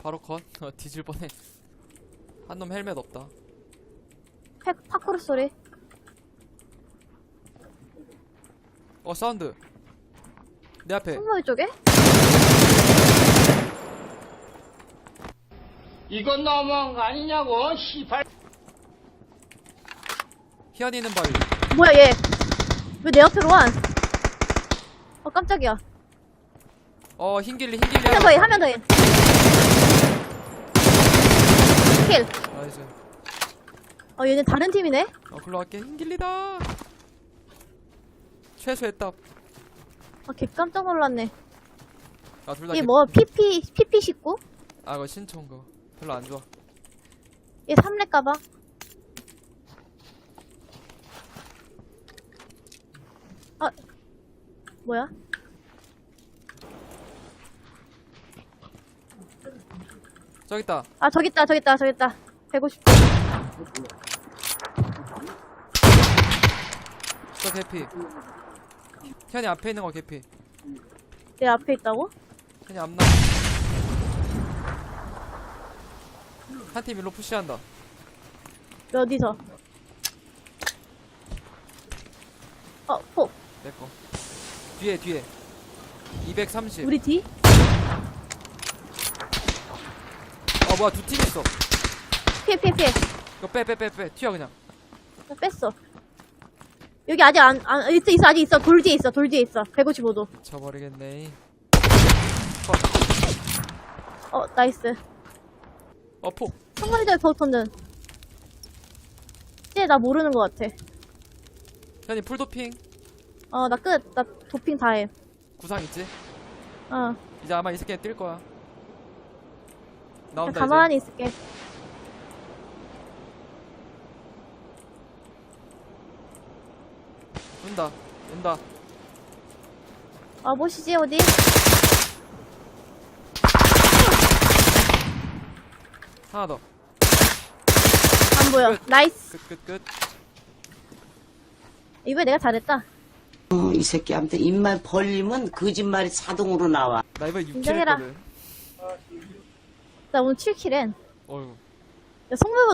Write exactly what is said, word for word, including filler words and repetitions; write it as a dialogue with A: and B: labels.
A: 바로 컷. 어, 뒤질 뻔해. 한 놈 헬멧 없다.
B: 팩, 파쿠르 소리.
A: 어, 사운드. 내 앞에.
B: 승모이 쪽에?
C: 이건 너무한 거 아니냐고, 시발.
A: 희한이는 바위.
B: 뭐야, 얘. 왜 내 앞으로 와? 어, 깜짝이야.
A: 어, 흰길리, 흰길리.
B: 한 명 더 해, 한 명 더 해. 킬.
A: 나이스.
B: 어, 얘네 다른 팀이네?
A: 어, 글로 갈게. 흰길리다. 최소의 답.
B: 아, 개 깜짝 놀랐네.
A: 아, 둘 다.
B: 얘 뭐, 피피, 피피 십구?
A: 아, 이거 신청 거. 별로 안 좋아.
B: 얘 삼렙 가봐. 아, 뭐야?
A: 저기 있다.
B: 아, 저기 있다, 저기 있다, 저기 있다. 백오십.
A: 저 개피. 희한이 앞에 있는 거 개피.
B: 내 앞에 있다고?
A: 희한이 앞나. 한 팀 일로 푸시한다.
B: 어디서? 어, 폭.
A: 내꺼. 뒤에, 뒤에. 이백삼십.
B: 우리 뒤?
A: 어, 뭐야, 두 팀 있어.
B: 피해, 피해, 피해.
A: 이거 빼, 빼, 빼, 빼. 튀어, 그냥.
B: 나 뺐어. 여기 아직 안, 안, 있어, 있어, 아직 있어. 돌 뒤에 있어, 돌 뒤에 있어. 백오십오 도.
A: 쳐버리겠네.
B: 어, 나이스.
A: 어, 폭.
B: 청가리들 버튼은. 이제 나 모르는 것 같아.
A: 희한이 풀도핑.
B: 어, 나 끝. 나 도핑 다 해.
A: 구상 있지?
B: 어.
A: 이제 아마 이 새끼 뛸 거야. 나온다,
B: 가만히
A: 이제.
B: 있을게.
A: 온다. 온다.
B: 아, 보시지, 어디?
A: 하나 더.
B: 안 보여.
A: 끝.
B: 나이스.
A: 끝, 끝, 끝.
B: 이번에 내가 잘했다.
D: 어, 이 새끼한테 입만 벌리면 거짓말이 자동으로 나와.
A: 나 이번에 육 킬
B: 인정해라.
A: 했거든.
B: 나 오늘 칠 킬 엔.
A: 어휴.
B: 야, 성물보